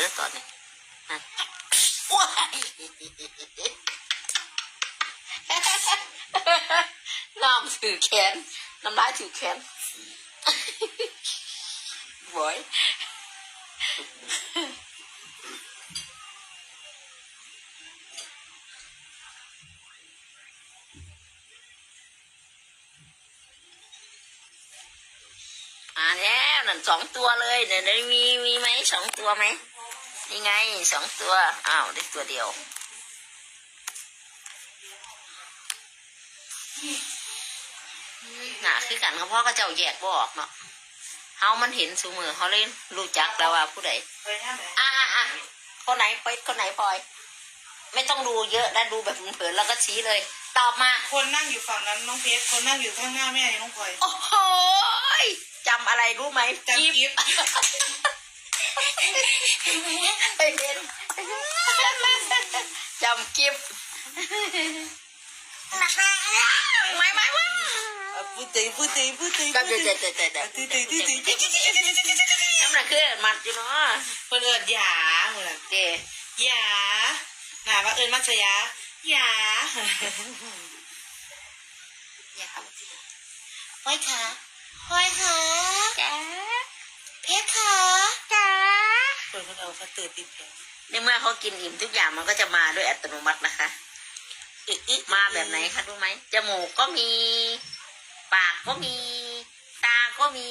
แล้วตอนนี้นะว้ายน้ำถือแขนน้ำลายถือแขนบอยแล้วนั่น2 ตัวเลยเดี๋ยวมีไหม2 ตัวไหมนี่ไง2 ตัวอ้าวได้ตัวเดียวหนาคือกันเขาพ่อก็เจ้าแยกบ่ออกเนาะเฮามันเห็นสูมือเขาเลยรู้จักแล้วว่าผู้ใดคนไหนไปคนไหนพลอยไม่ต้องดูเยอะนะดูแบบเผินๆแล้วก็ชี้เลยตอบมาคนนั่งอยู่ฝั่งนั้นน้องเพชรคนนั่งอยู่ข้างหน้าแม่น้องพลอยโอ้โหจำอะไรรู้ไหมจำกิฟไปเห็นจำกิฟไม่พูดตีก็เด็ดน้ำหนักคือมัดอยู่เนาะเพื่อนหยาเหมือนเจหยาหนาว่ามัชยาหยาห้อยขาจ้าเพชรขาจ้าคนเขาเอาเขาตื่นติดแผลในเมื่อเขากินอิ่มทุกอย่างมันก็จะมาด้วยอัตโนมัตินะคะมาแบบไหนคะรู้ไหมจมูกก็มีปากก็มีตาก็มี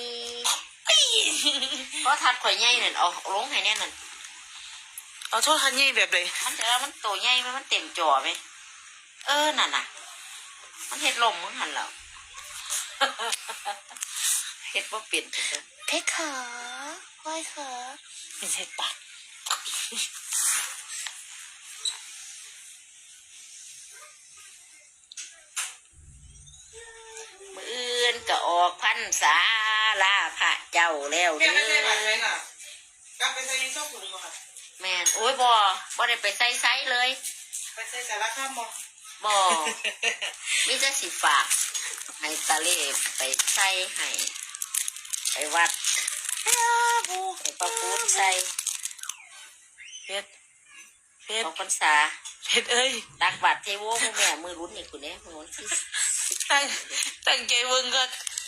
เพราะทัดข่อยใหญ่นั่นเอาลงให้แน่นั่นเอาโทษทันยี่แบบเลยมันจะแล้วมันโตใหญ่ไหมมันเต็มจอไหมนั่นน่ะมันเห็ดลมมึงหันแล้วเห็ดว่าเปลี่ยนเพชรขาห้อยขาเป็นเห็ดปากมื้อก็ออกพรรษาลาพระเจ้าแล้วเด้กลับไปใส่ช่องถุงมาค่ะแม่นโอ้ยบ่ได้ไปใส่ไซเลยไปใส่สารข้ามบ่มิจะสิฝากให้ตาเล่ไปใส่ให้ไปวัดให้ประพูนใส่เพชรของพรรษาเพชรเอ้ยตักบาตรเทโวแม่มือรุ่นนี่คุณเนี่ยมือรุ่นที่ตั้งใจเบิ่งก็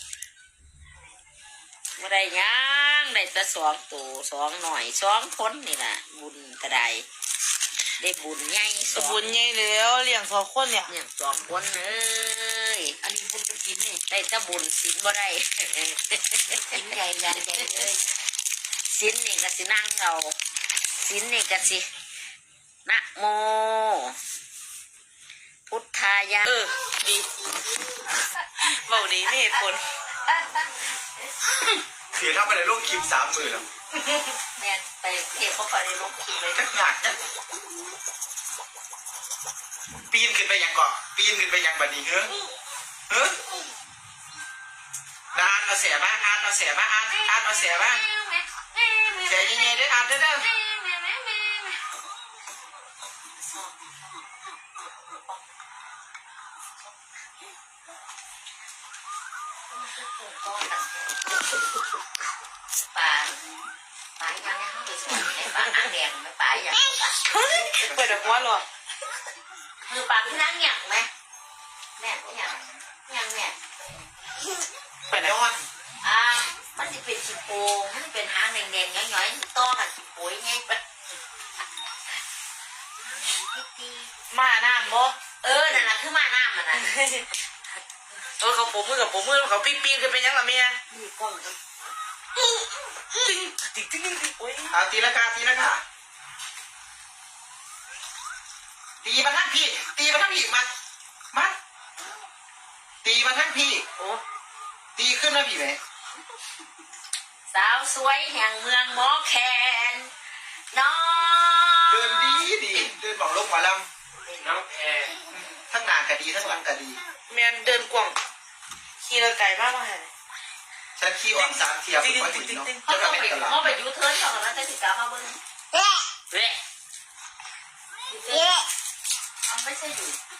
บ่ได้ยังได้แต่2 ตัว2หน่อย2 คนนี่แหละบุญกระไดได้บุญใหญ่บุญใหญ่แล้วเลี้ยง2 คนเนี่ย 2 คนเลยอันนี้บุญกระถินนี่ได้แต่บุญศีลบ่ได้ศีลใหญ่เลยศีลนี่ก็สินั่งเอาศีลนี่ก็สินะโมพุทธายะดีเบาดีไม่เหตุผลเสียเข้าไปในโลกคลิป30,000แล้วแม่ไปเทพเขาคอยในโลกคลิปเลยหนักนะปีนขึ้นไปยังก่อนปีนขึ้นไปยังบัดนี้เฮ้ยอ่านเอาเสียบ้างอ่านเอาเสียบ้างอ่านเอาเสียบ้างเสียยังไงได้อ่านได้ป่ายังไม่เข้าไปสวนในป่านั่งแดงไม่ป่าอย่างเปิดหัวหรอคือป่าที่นั่งหยั่งไหมแม่หยั่งแม่เปิดย้อนมันจะเป็นชิโปมันจะเป็นหางแดงๆย้อยๆต้อกับชิโป้ไงปะมาหน้าโมนั่นแหละคือมาหน้ามันนะเขาผมมือกับผมมือเขาปีนกันเป็นยังล่ะเมียมีกล้องกันติ๊งโอ้ยตีละกาตีมาทั้งพี่มัดตีมาทั้งพี่โอ้ตีขึ้นมาพี่ไหมสาวสวยแห่งเมืองหมอแคนน้องเดินดีเดินบอกลงหมอลำน้องแพรทั้งหน้ากะดีทั้งหลังกะดีแมนเดินกว่างขี่ระไก่มากเลยฉันขี่ออก3 เที่ยวผมก็ถึงเนาะเขาไปยูเทิร์นเขาแล้วจะติดตามมาเบิ้งไม่ใช่อยู่